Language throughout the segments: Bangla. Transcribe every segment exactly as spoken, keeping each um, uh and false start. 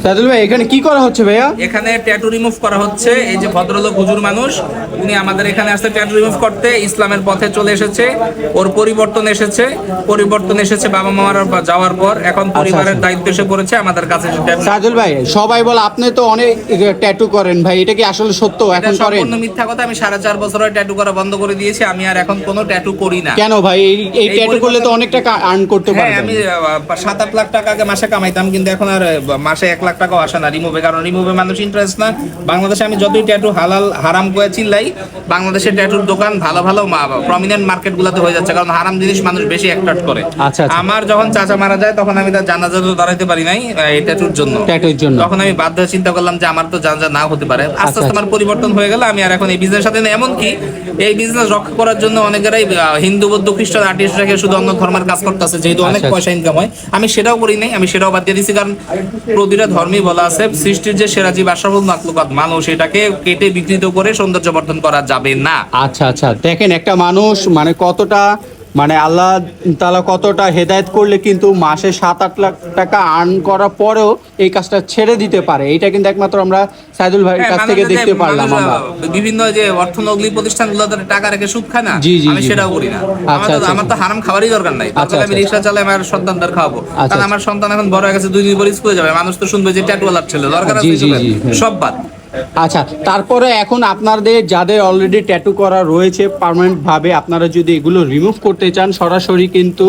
সাইদুল ভাই এখানে কি করা হচ্ছে ভাইয়া? এখানে ট্যাটু রিমুভ করা হচ্ছে। এই যে ভদ্রলোক হুজুর মানুষ, উনি আমাদের এখানে আসছে ট্যাটু রিমুভ করতে। ইসলামের পথে চলে এসেছে, ওর পরিবর্তন এসেছে। পরিবর্তন এসেছে বাবা মার যাওয়ার পর, এখন পরিবারের দায়িত্ব এসে পড়েছে আমাদের কাছে। সাইদুল ভাই, সবাই বলে আপনি তো অনেক ট্যাটু করেন ভাই, এটা কি আসলে সত্য? এখন করেন? সম্পূর্ণ মিথ্যা কথা। আমি সাড়ে চার বছর ট্যাটু করা বন্ধ করে দিয়েছি। আমি আর এখন কোনো ট্যাটু করি না। কেন ভাই? এই ট্যাটু করলে তো অনেক টাকা আর্ন করতে পারবেন। হ্যাঁ, আমি সাত আট লাখ টাকা আগে মাসে কামাইতাম, কিন্তু এখন আর মাসে এক লাখ টাকাও আসে না রিমুভে। কারণ রিমুভে মানুষ ইন্টারেস্ট না। বাংলাদেশে আমি যতই ট্যাটু হালাল হারাম করে চিল্লাই, বাংলাদেশের ট্যাটুর দোকান ভালো ভালো প্রমিনেন্ট মার্কেট গুলাতে হয়ে যাচ্ছে, কারণ হারাম জিনিস মানুষ বেশি অ্যাট্রাক্ট করে। আচ্ছা, আমার যখন চাচা মারা যায় তখন আমি তার জানাজাতে দাঁড়াইতে পারি নাই এই ট্যাটুর জন্য। ট্যাটুর জন্য তখন আমি বাধ্য হয়ে চিন্তা করলাম যে আমার তো জানাজা না হতে পারে। আস্তে আস্তে আমার পরিবর্তন হয়ে গেল। আমি আর এখন এই বিজনেস সাথে এমন কি এই বিজনেস রক্ষা করার জন্য অনেকেরাই হিন্দু বৌদ্ধ খ্রিস্টান আর্টিস্ট রেখে শুধু অন্য ধর্মের কাজ করতেছে, যেহেতু অনেক পয়সা ইনকাম হয়। আমি সেটাও করি নাই, আমি সেটাও বাদ দিয়ে দিচ্ছি। কারণ প্রতিটা ধর্মেই বলা আছে সৃষ্টির যে সেরা জীব আশরাফুল মাখলুকাত মানুষ, এটাকে কেটে বিকৃত করে সৌন্দর্য বর্ধন করা যাবে না। আচ্ছা আচ্ছা, দেখেন একটা মানুষ মানে কতটা মানে আল্লাহ তাআলা কতটা হেদায়েত করলে কিন্তু মাসে সাত আট লাখ টাকা আর্ন করার পরেও এই কাজটা ছেড়ে দিতে পারে। এটা কিন্তু একমাত্র আমরা সাইদুল ভাইয়ের কাছ থেকে দেখতে পারলাম। আমরা বিভিন্ন যে অর্থনৈতিক প্রতিষ্ঠানগুলো টাকা রেখে সুদ খায় না, জি জি, আমি সেটাও করি না। আমার তো হারাম খাবারই দরকার নাই। তাহলে আমি রিকশা চালাই, আমার সন্তানদের খাওয়াবো। কারণ আমার সন্তান এখন বড় হয়ে গেছে, দুই দিন পরে স্কুলে যাবে, মানুষ তো শুনবে যে ট্যাটুওয়ালার ছেলে, দরকার আছে সব বাদ। আচ্ছা, তারপরে এখন আপনাদের যাদের অলরেডি ট্যাটু করা রয়েছে পার্মানেন্ট ভাবে, আপনারা যদি এগুলো রিমুভ করতে চান সরাসরি কিন্তু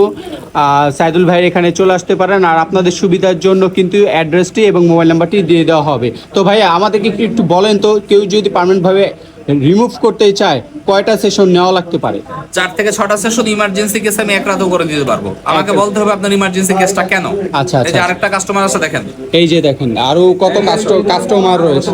সাইদুল ভাইয়ের এখানে চলে আসতে পারেন। আর আপনাদের সুবিধার জন্য কিন্তু অ্যাড্রেসটি এবং মোবাইল নাম্বারটি দিয়ে দেওয়া হবে। তো ভাইয়া আমাদেরকে একটু বলেন তো, কেউ যদি পার্মানেন্ট ভাবে রিমুভ করতে চায় কয়টা সেশন নেওয়া লাগতে পারে? চার থেকে ছটা সেশন। ইমার্জেন্সি কেস আমি এক রাতেও করে দিতে পারবো। আমাকে বলতে হবে আপনার ইমার্জেন্সি কেসটা কেন। আচ্ছা এই যে আরেকটা কাস্টমার আছে দেখেন, এই যে দেখেন আরো কত কাস্টমার রয়েছে।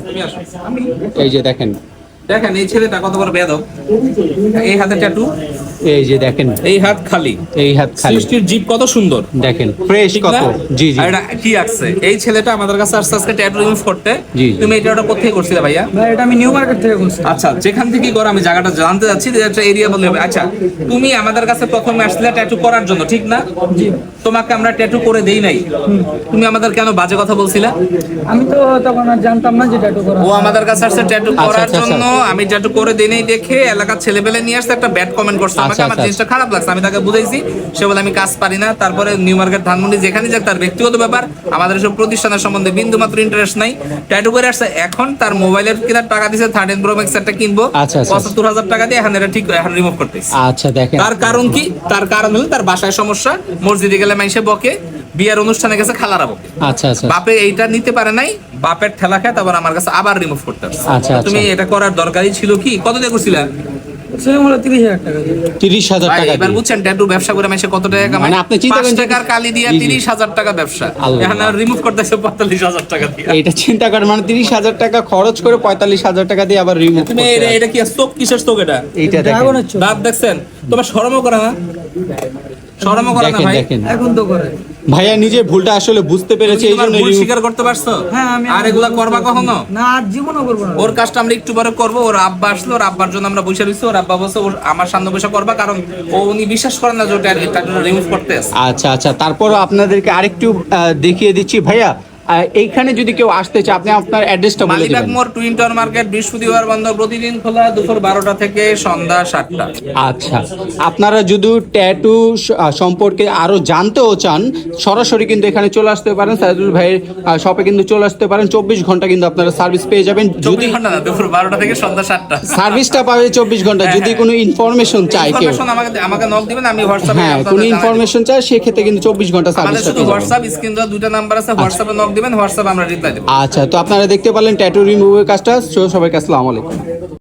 এই যে দেখেন দেখেন এই ছেলেটা কত বড় বেয়াদব। এই হাতে ট্যাটু, এই যে দেখেন এই হাত খালি, এই হাত খালি। সৃষ্টির জীব কত সুন্দর দেখেন, ফ্রেশ কত। জি জি, এটা কি আছে? এই ছেলেটা আমাদের কাছে আসছে আজকে ট্যাটু রিমুভ করতে। জি, তুমি এটা ওটা কোথায় করছিলে ভাইয়া? ভাই এটা আমি নিউ মার্কেট থেকে করছি। আচ্ছা, যেখান থেকে করো আমি জায়গাটা জানতে যাচ্ছি, যে একটা এরিয়া বললে হবে। আচ্ছা, তুমি আমাদের কাছে প্রথমে আসলে ট্যাটু করার জন্য, ঠিক না? জি। তোমাকে আমরা ট্যাটু করে দেই নাই, তুমি আমাদের কেন বাজে কথা বলছিলা? আমি তো তখন আর জানতাম না যে ট্যাটু করা। ও আমাদের কাছে আসছে ট্যাটু করার জন্য, আমি ট্যাটু করে দেই নাই দেখে এলাকার ছেলেপেলে নিয়ে আসছে, একটা ব্যাড কমেন্ট করছে আমাকে। আমার জিনিসটা খারাপ লাগছে, আমি তাকে বুঝাইছি। সে বলে আমি কাজ পারি না। তারপরে নিউ মার্কেট ধানমন্ডি যেখানে যাক তার ব্যক্তিগত ব্যাপার, আমাদের সব প্রতিষ্ঠানের সম্বন্ধে বিন্দু মাত্র ইন্টারেস্ট নাই। ট্যাটু করে আসছে, এখন তার মোবাইলের কেনার টাকা দিছে থার্টিন প্রো ম্যাক্স একটা কিনবো পঁচাত্তর হাজার টাকা দিয়ে, এখন এটা ঠিক এখন রিমুভ করতেছি। আচ্ছা দেখেন, তার কারণ কি? তার কারণ হলো তার বাসায় সমস্যা, মসজিদে গেলে মাইসে বকে, বিয়ার অনুষ্ঠানে গেছে খালারা বকে। আচ্ছা আচ্ছা, বাপে এইটা নিতে পারে নাই, বাপের ঠেলা খায়, তারপর আমার কাছে আবার রিমুভ করতে আসছে। আচ্ছা, তুমি এটা করার দরকারই ছিল কি? কত দিয়ে করছিলা? তিরিশ হাজার টাকা। এবার বুঝছেন ট্যাটু ব্যবসা করে মাসে কত টাকা কামায়? মানে আপনি চিন্তা করেন টাকার কালি দিয়ে তিরিশ হাজার টাকা ব্যবসা, এখন রিমুভ করতেছে পঁয়তাল্লিশ হাজার টাকা দিয়ে। এটা চিন্তা করেন, মানে তিরিশ হাজার টাকা খরচ করে পঁয়তাল্লিশ হাজার টাকা দিয়ে আবার রিমুভ। তুমি এটা কি চোখ, কিসের চোখ এটা? এইটা দেখেন, দাঁত দেখছেন? তোমার শরমও করে না? শরমও করে না ভাই? এখন তো করে। ভাইয়া নিজের ভুলটা আসলে বুঝতে পেরেছে, এই জন্য ভুল স্বীকার করতে পারছো। হ্যাঁ, আমি আর এগুলা করবা কখনো না, আর জীবনও করব না। ওর কাজটা আমরা একটু পরে করবো। ওর আব্বা আসলো, ওর আব্বার জন্য আমরা বসে রইছি। ওর আব্বা বসে ওর আমার সামনে বসে করবা, কারণ ও উনি বিশ্বাস করেন না যে ওটা রিমুভ করতে আছে। আচ্ছা আচ্ছা, তারপরও আপনাদেরকে আরেকটু দেখিয়ে দিচ্ছি ভাইয়া। এইখানে যদি কেউ আসতে চায়, আপনি আপনার অ্যাড্রেসটা বলে দিবেন। মালিবাগ মোড় টুইন টাওয়ার মার্কেট, বৃহস্পতিবার বন্ধ, প্রতিদিন খোলা দুপুর বারোটা থেকে সন্ধ্যা সাতটা। আচ্ছা, আপনারা যদি ট্যাটু সম্পর্কে আরো জানতেও চান সরাসরি কিন্তু এখানে চলে আসতে পারেন। সাইদুল ভাইয়ের শপে কিন্তু চলে আসতে পারেন। চব্বিশ ঘন্টা কিন্তু আপনারা সার্ভিস পেয়ে যাবেন। যদি দুপুর বারোটা থেকে সন্ধ্যা সাতটা সার্ভিসটা পাবে চব্বিশ ঘন্টা। যদি কোনো ইনফরমেশন চাই কেউ, আমাকে আমাকে নক দিবেন, আমি হোয়াটসঅ্যাপে হ্যাঁ কোনো ইনফরমেশন চাই সেক্ষেত্রে কিন্তু চব্বিশ ঘন্টা সার্ভিস। শুধু হোয়াটসঅ্যাপ স্ক্রিন দেওয়া দুইটা নাম্বার আছে, হোয়াটসঅ্যাপে নক দিবেন, হোয়াটসঅ্যাপে আমরা রিপ্লাই দেব। আচ্ছা, তো আপনারা দেখতে পারলেন ট্যাটু রিমুভের কাজটা। সবাইকে আসসালামু আলাইকুম।